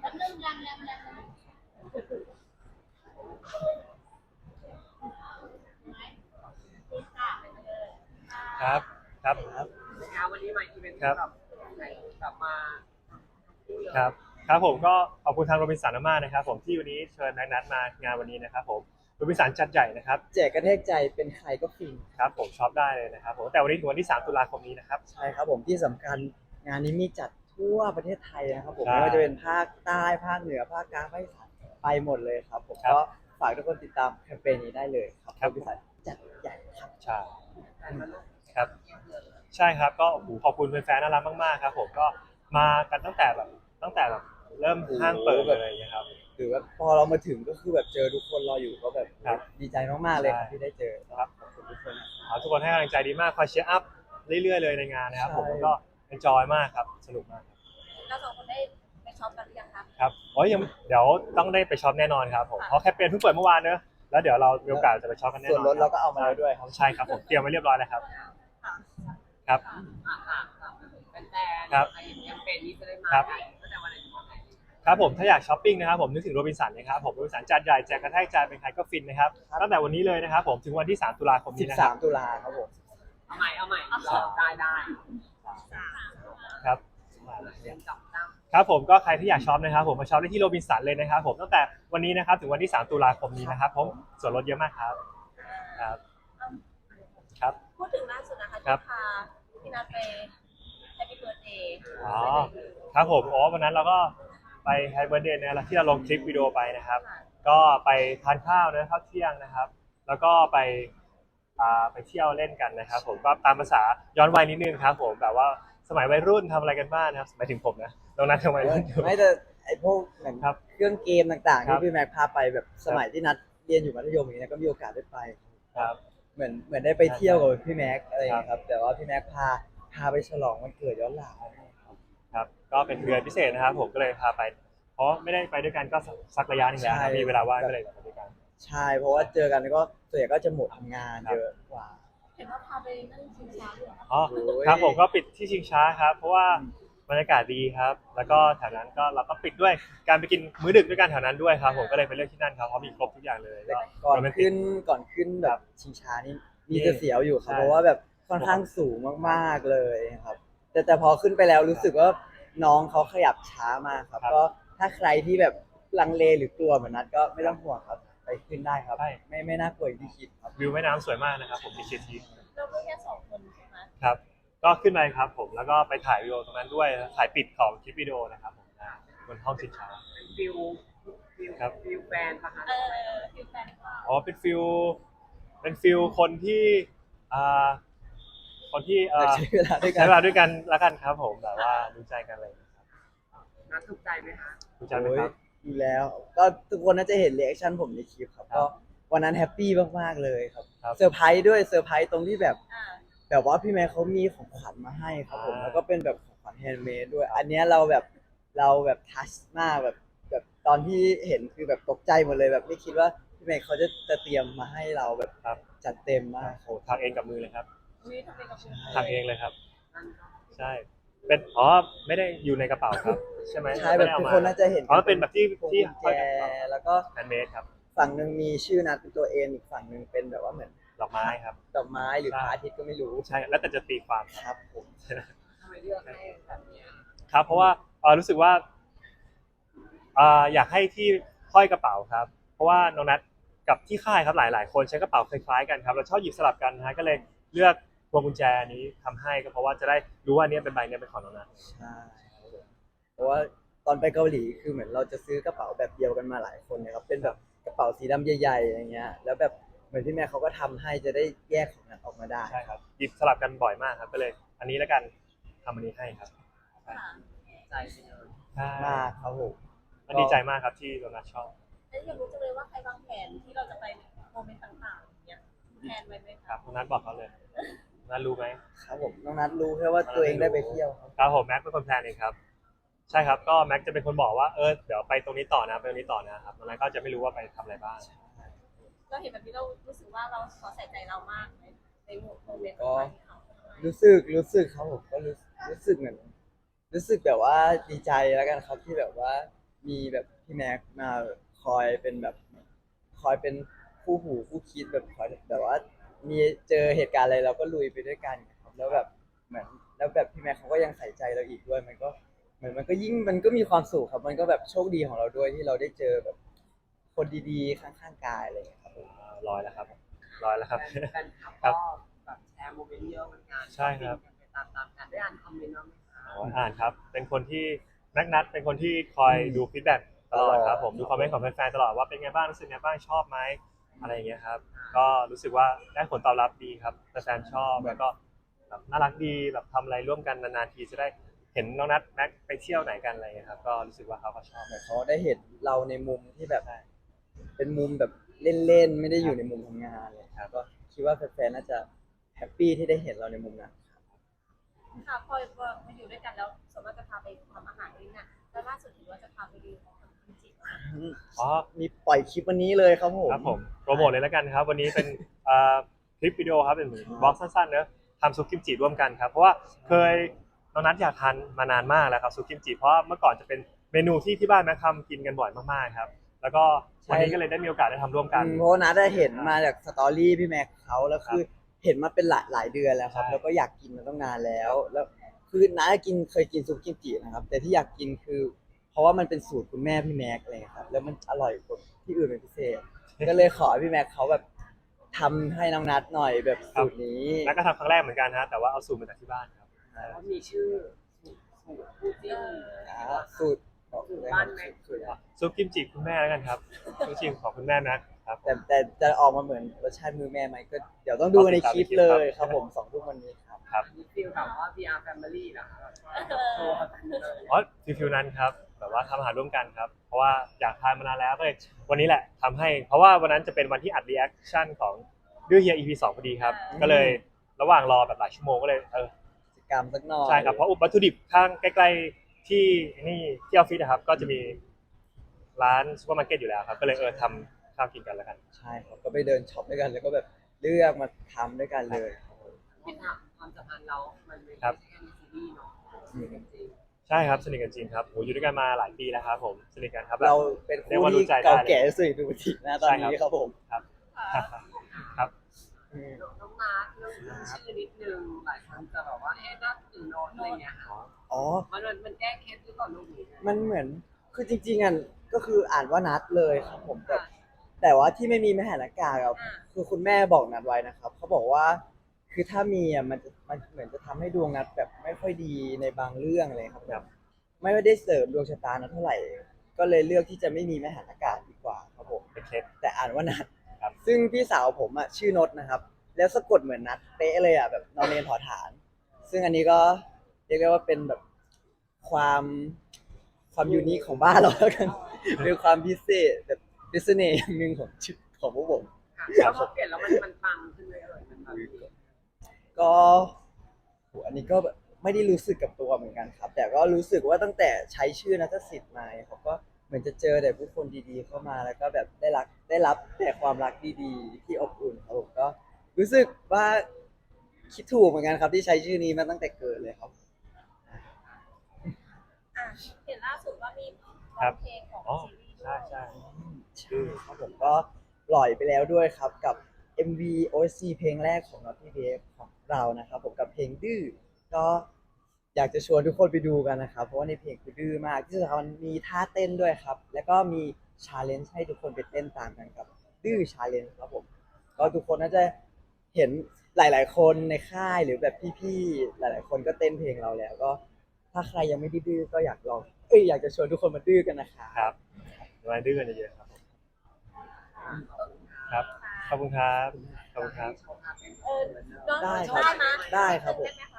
เริ่มยังครับครับนะคะวันนี้มาอีเวนต์ครับแบบกลับมาพูดเลยครับครับผมก็ขอบคุณทางโรบินสันมากๆนะครับผมที่วันนี้เชิญแม็กนัทมางานวันนี้นะครับผมโรบินสันจัดใหญ่นะครับแจกกระแทกใจเป็นใครก็ฟินครับผมช็อปได้เลยนะครับผมแต่วันนี้ถึงวันที่3 ตุลาคมนี้นะครับใช่ครับผมที่สำคัญงานนี้มีจัดทั่วประเทศไทยนะครับผมใช่ไม่ว่าจะเป็นภาคใต้ภาคเหนือภาคกลางภาคอีสานไปหมดเลยครับผมครับก็ฝากทุกคนติดตามแคมเปญนี้ได้เลยครับครับบริษัทจัดใหญ่ครับใช่ครับใช่ครับก็โอ้โหขอบคุณแฟนๆน่ารักมากๆครับผมก็มากันตั้งแต่แบบเริ่มห้างเปิดเลยนะครับหรือว่าพอเรามาถึงก็คือแบบเจอทุกคนรออยู่ก็แบบครับดีใจมากๆเลยครับใช่ที่ได้เจอครับขอบคุณทุกคนทุกคนให้กำลังใจดีมากคอยเชียร์อัพเรื่อยๆเลยในงานนะครับผมใช่แล้วก็เอนจอยมากครับสนุกมากครับเราสองคนได้ไปช็อปกันหรือยังครับครับโอ้ยยังเดี๋ยวต้องได้ไปช็อปแน่นอนครับผมเพราะแคมเปญเพิ่งเปิดเมื่อวานเนอะแล้วเดี๋ยวเรามีโอกาสจะไปช็อปกันแน่นส่อวน นลดเราก็เอามาแล้วด้วยครับใช่ครับผมเตรียมไว้เรียบร้อยแล้วครับครับค่ะเป็นแฟนครับใครเห็นแคมเปญนี้จะได้มาครับกันตั้งแต่วันไหนถึงวันไหนครับผมถ้าอยากช้อปปิ้งนะครับผมนึกถึงโรบินสันนะครับผมโรบินสันจัดใหญ่แจกกระแทกใจเป็นใครก็ฟินนะครับตั้งแต่วันนี้เลยนะครับผมถึงวันที่3 ตุลาคมนี้นะครับ 13 ตุลาครับผมเอาใหม่ได้ครับเรียนจับตั้งครับผมก็ใครที่อยากช็อปนะครับผมมาช็อปได้ที่โรบินสันเลยนะครับผมตั้งแต่วันนี้นะครับถึงวันที่3 ตุลาคมนี้นะครับผมส่วนลดเยอะมากครับครับครับพูดถึงล่าสุดนะคะครัที่บพาพี่นัทไปแฮปปี้เบิร์ดเดย์อ๋อครับผมวันนั้นเราก็ไปแฮปปี้เบิร์ธเดย์นะที่เราลงคลิปวิดีโอไปนะครับ ก็ไปทานข้าวนะข้าวเที่ยงนะครับ แล้วก็ไปเที่ยวเล่นกันนะครับผมก็ตามภาษาย้อนวัยนิดนึงครับผมแบบว่าสมัยวัยรุ่นทำอะไรกันบ้างนะครับหมายถึงผมนะตรงนั้นทำไมรุ่นอยู่ไม่แต่ไอพวกเหมือนครับเครื่องเกมต่างๆครัที่บพี่แม็กพาไปแบบสมัยที่นัดเรียนอยู่มัธยมอย่างเงี้ยก็มีโอกาสได้ไปครับเหมือนได้ไปเที่ยวกับพี่แม็กอะไรอย่างเงี้ยครับแต่ว่าพี่แม็กพาไปฉลองวันเกิดย้อนหลังครับก็เป็นเดือนพิเศษนะครับผมก็เลยพาไป เพราะไม่ได้ไปด้วยกันก็สักระยะหนึงแล้วครับมีเวลาว่างก็เลยไปด้วยกันใช่เพราะว่าเจอกันก็ส่วนใหญ่ก็จะหมดทำงานเยอะกว่าเห็นว่าพาไปนั่งชิงช้าด้วยเหรออ๋อโอ้ยครับผมก็ปิดที่ชิงช้าครับ เพราะว่าบรรยากาศดีครับ แล้วก็แถวนั้นก็เราก็ปิดด้วยการไปกินมื้อดึกด้วยกันแถวนั้นด้วยครับผมก็เลยไปเลือกที่นั่นครับเพราะมีครบทุกอย่างเลยแต่ก็ก่อนโรแมติขึ้นแบบชิงช้านี่มีจะเสียวอยู่ครับใช่เพราะว่าแบบค่อนข้างสูงมากๆเลยครับ แต่พอขึ้นไปแล้วรู้สึกว่าน้องเขาขยับช้ามากครับ ก็ถ้าใครที่แบบลังเลหรือกลัวเหมือนนัดก็ไม่ต้องห่วงครับไปขึ้นได้ครับ ไม่น่ากลัวอย่างที่คิดครับวิวแม่น้ำสวยมากนะครับผมมีเชียร์ทีเราก็แค่สองคนใช่ไหมครับ ก็ขึ้นไปครับผมแล้วก็ไปถ่ายวิดีโอตรงนั้นด้วยถ่ายปิดของคลิปวิดีโอนะครับผมบนห้องชิงช้าเป็นฟิลครับฟิลแฟนปะคะคือแฟนคลับอ๋อเป็นฟิลคนที่อ่าคนที่ใช้เวลาด้วยกัใช้นเวลาด้วยกันละกันครับผมแบบว่ารู้ใจกันเลยครับนัดถูกใจไหมคะรู้ใจไหมครับอยู่แล้ว ก็ทุกคนน่าจะเห็นรีแอคชั่นผมในคลิปครับครับก็วันนั้นแฮปปี้มากๆเลยครับครับเซอร์ไพรส์ด้วยเซอร์ไพรส์ตรงที่แบบอ่าแบบว่าพี่แม่เขามีของขวัญมาให้ครับผมอ่าแล้วก็เป็นแบบของขวัญแฮนด์เมดด้วย อันเนี้ยเราแบบทัชมากแบบตอนที่เห็นคือแบบตกใจหมดเลยแบบไม่คิดว่าพี่แม่เขาจะเตรียมมาให้เราแบบครับจัดเต็มมากโอ้ทำเองกับมือเลยครับวิทำเป็นกับคุณทำเองเลยครับนั่นก็ใช่เป็นไม่ได้อยู่ในกระเป๋าครับใช่ไหมใช่แบบทุกคนน่าจะเห็นอ๋อเป็นแบบที่พวงที่กุญห้อยแจกับกระเป๋าแล้วก็แฮนด์เมดครับฝั่งหนึ่งมีชื่อนัดเป็นตัวเอ็นอีกฝั่งหนึ่งเป็นแบบว่าเหมือนดอกไม้ครับดอกไม้หรือใช่พระอาทิตย์ก็ไม่รู้ใช่แล้วแต่จะตีความครับครับผมทำไมเลือกให้แบบเนี้ยครับเพราะว่ารู้สึกว่าอยากให้ที่ห้อยกระเป๋าครับ เพราะว่าน้องนัทกับที่ค่ายครับหลายๆคนใช้กระเป๋าคล้ายๆกันครับเราชอบหยิบสลับกันนะฮะก็เลยเลือกพวงกุญแจนี้ทำให้ก็เพราะว่าจะได้รู้ว่าอันนี้เป็นใบนี้เป็นของน้องนัทใช่เพราะว่าตอนไปเกาหลีคือเหมือนเราจะซื้อกระเป๋าแบบเดียวกันมาหลายคนเนะครับเป็นแบบกระเป๋าสีดำใหญ่ๆอย่างเงี้ยแล้วแบบเหมือนที่แม่เขาก็ทำให้จะได้แยกของนั้นออกมาได้ใช่ครับหยิบสลับกันบ่อยมากครับก็เลย อันนี้แล้วกันทำอันนี้ให้ครับค่ะใจไปเลยใช่มากครับผมมันดีใจมากครับที่น้องนัทชอบแล้วอยากรู้จังเลยว่าใครวางแผนที่เราจะไปโมเมนต์ต่างๆอย่างเงี้ยแผนไว้ไหมคครัรับบ น้องนัทบอกเขาเลยน้องนัทรู้ไหมครับผมน้องนัทรู้แค่ว่าตัวเองได้ไปเที่ยวครับครับผมแม็กเป็นคนแพลนเองครับใช่ครับก็แม็กจะเป็นคนบอกว่าเดี๋ยวไปตรงนี้ต่อนะไปตรงนี้ต่อนะครับน้องนัทก็จะไม่รู้ว่าไปทำอะไรบ้างเราเห็นแบบนี้เรารู้สึกว่าเราขอใส่ใจเรามากในโมเมนต์ก็ต่างๆที่เขาทำให้รู้สึกครับผมก็รู้สึกเหมือนรู้สึกแบบว่าดีใจแล้วกันครับที่แบบว่ามีแบบพี่แม็กมาคอยเป็นแบบคอยเป็นคู่หูคู่คิดแบบคอยแบบว่ามีเจอเหตุการณ์อะไรเราก็ลุยไปด้วยกันครับแล้วแบบเหมือนแล้วแบบพี่แม็กเขาก็ยังใส่ใจเราอีกด้วยมันก็เหมือนมันก็ยิ่งมันก็มีความสุขครับมันก็แบบโชคดีของเราด้วยที่เราได้เจอแบบคนดีๆข้างๆกายอะไรอย่างเงี้ยครับผมร้อยแล้วครับร้อยแล้วครับแฟนคลับก็แบบแชร์โมเมนต์เยอะเหมือนกันใช่ครับไปตามๆกันได้อ่านคอมเมนต์บ้างไหมคะอ่านครับ เป็นคนที่นัดเป็นคนที่คอยดูฟีดแบ็กตลอดครับผมดูคอมเมนต์ของแฟนๆตลอดว่าเป็นไงบ้างรู้สึกไงบ้างชอบไหมอะไรอย่างเงี้ยครับก็รู้สึกว่าได้ผลตอบรับดีครับแฟนๆชอบแล้วก็แบบน่ารักดีแบบทำอะไรร่วมกันนานๆทีจะได้เห็นน้องนัดแม็กไปเที่ยวไหนกันอะไรเงี้ยครับก็รู้สึกว่าเขาก็ชอบเหมือนเขาได้เห็นเราในมุมที่แบบเป็นมุมแบบเล่นๆไม่ได้อยู่ในมุมทำงานเลยครับก็คิดว่าแฟนๆน่าจะแฮปปี้ที่ได้เห็นเราในมุมนั้นค่ะพอมาอยู่ด้วยกันแล้วสมมติจะพาไปทำอาหารนี่น่ะแล้วล่าสุดเห็นว่าจะพาไปดูของกิมจิอ๋อมีปล่อยคลิปวันนี้เลยครับผมครับผมโปรโมทเลยแล้วกันครับวันนี้เป็นคลิปวิดีโอครับเป็นเหมือนบล็อกสั้นๆเนอะทำซุปกิมจิร่วมกันครับเพราะว่าเคยน้องนัทอยากทานมานานมากแล้วครับซุปกิมจิเพราะว่าเมื่อก่อนจะเป็นเมนูที่บ้านแม่ทำกินกันบ่อยมากๆครับแล้วก็วันนี้ก็เลยได้มีโอกาสได้ทำร่วมกันเพราะว่านัดได้เห็นมาจากสตอรี่พี่แม็กเขาแล้วคือเห็นมาเป็นหลายเดือนแล้วครับใช่แล้วก็อยากกินมาตั้งนานแล้วคือนัดเคยกินซุปกิมจินะครับแต่ที่อยากกินคือ เพราะว่ามันเป็นสูตรคุณแม่พี่แม็กอะไรอย่างเลยครับแล้วมันอร่อยกว่าที่อื่นเป็นพิเศษ ก็เลยขอให้พี่แม็กเขาแบบทำให้น้องนัดหน่อยแบบสูตรนี้นัทก็ทำครั้งแรกเหมือนกันฮะแต่ว่าเอาสูตรมาจากที่บ้านครับแล้วก็มีชื่อสูตรคู่จิ้นสูตรบอกเลยครับสูตรซุปกิมจิคุณแม่แล้วกันครับซุปกิมจิของคุณแม่นะครับแต่จะออกมาเหมือนรสชาติมือแม่ไหมก็เดี๋ยวต้องดูในคลิปเลยครับผม2 ทุ่มวันนี้ครับครับมีฟีลแบบว่า VR Family เหรอคะแบบโชว์กันเลยอ๋อฟิวนั้นครับแบบว่าทำอาหารร่วมกันครับเพราะว่าอยากทานมานานแล้วก็เลยวันนี้แหละทำให้เพราะว่าวันนั้นจะเป็นวันที่อัดรีแอคชั่นของดื้อเฮีย EP 2พอดีครับก็เลยระหว่างรอแบบหลายชั่วโมงก็เลยกิจกรรมสักหน่อยใช่ครับเพราะวัตถุดิบข้างใกล้ๆที่นี่ที่ออฟฟิศนะครับก็จะมีร้านซูเปอร์มาร์เก็ตอยู่แล้วครับก็เลยทำข้าวกินกันแล้วกันใช่ครับก็ไปเดินช็อปด้วยกันแล้วก็แบบเลือกมาทำด้วยกันเลยคิดว่าความสัมพันธ์เรา มันไม่ครัใช่บแค่ในซีรีส์เนาะจริงใช่ครับสนิทกันจริงครับโหอยู่ด้วยกันมาหลายปีแล้วครับผมสนิทกันครับเราเป็นเรียกคู่ว่ารู้ที่ใจได้เก่าเลยแก่ที่สุดในดูทีนะตอนนี้ครับผมครับค่ะครับอืมน้องมาร์คเรื่องชื่อนิดนึงหลายคนจะแบบว่าน่าตื่นนอนอะไรเงี้ยค่ะอ๋อมันแก้เคล็ดหรือเปล่าลูกหรือไงมันเหมือนคือจริงๆอ่ะก็คืออ่านว่านัดเลยครับผมแต่ว่าที่ไม่มีไม่หันอากาศครับคือคุณแม่บอกนัดไว้นะครับเขาบอกว่าคือถ้ามีอ่ะมันเหมือนจะทำให้ดวงนัดแบบไม่ค่อยดีในบางเรื่องเลยครับแบบไม่ได้เสริมดวงชะตานัดเท่าไหร่ ก็เลยเลือกที่จะไม่มีไม่หันอากาศดีกว่าครับผมเป็นเคล็ดแต่อ่านว่านัดครับซึ่งพี่สาวผมอ่ะชื่อนดนะครับ แล้วสะกดเหมือนนัดเป๊ะเลยอ่ะแบบนอนเนนถอฐาน ซึ่งอันนี้ก็เรียกได้ว่าเป็นแบบความยูนิคของบ้านเราแล้วกัน เป็นความพิเศษแบบพิเศษอย่างหนึ่งของชีวิตของพวกผมค่ะแล้วพอเปลี่ยนแล้วมันปังขึ้นเลยมันแบบก็โหอันนี้ก็แบบไม่ได้รู้สึกกับตัวเหมือนกันครับ แต่ก็รู้สึกว่าตั้งแต่ใช้ชื่อนัทสิทธิ์มาเนี่ยเขาก็เหมือนจะเจอแต่ผู้คนดีๆเข้ามาแล้วก็แบบได้รับแต่ความรักดีๆ ที่อบอุ่นครับผมก็รู้สึกว่าคิดถูกเหมือนกันครับที่ใช้ชื่อนี้มาตั้งแต่เกิดเลยครับอ่ะเห็นล่าสุดว่ามีครัร้อบ งเพลงของอ๋อซีรีส์ใช่ใช่ใช่ครับผมก็ปล่อยไปแล้วด้วยครับกับ MV OST เพลงแรกของ Naughty Babe ของเรานะครับผมกับเพลงดื้อก็อยากจะชวนทุกคนไปดูกันนะครับเพราะว่าในเพลงคือดื้อมากที่สำคัญมีท่าเต้นด้วยครับ แล้วก็มี challenge ให้ทุกคนไปเต้นตามกันกับดื้อ challenge ครับผมก็ทุกคนน่าจะเห็นหลายๆคนในค่ายหรือแบบพี่ๆหลายๆคนก็เต้นเพลงเราแล้วก็ถ้าใครยังไม่ได้ดื้อก็อยากลองอยากจะชวนทุกคนมาดื้อกันนะครับครับมาดื้อกันเยอะๆครับผมครับขอบคุณครับขอบคุณครับเออน้องได้ได้ครับไหมได้ครับผมได้ไหมคะ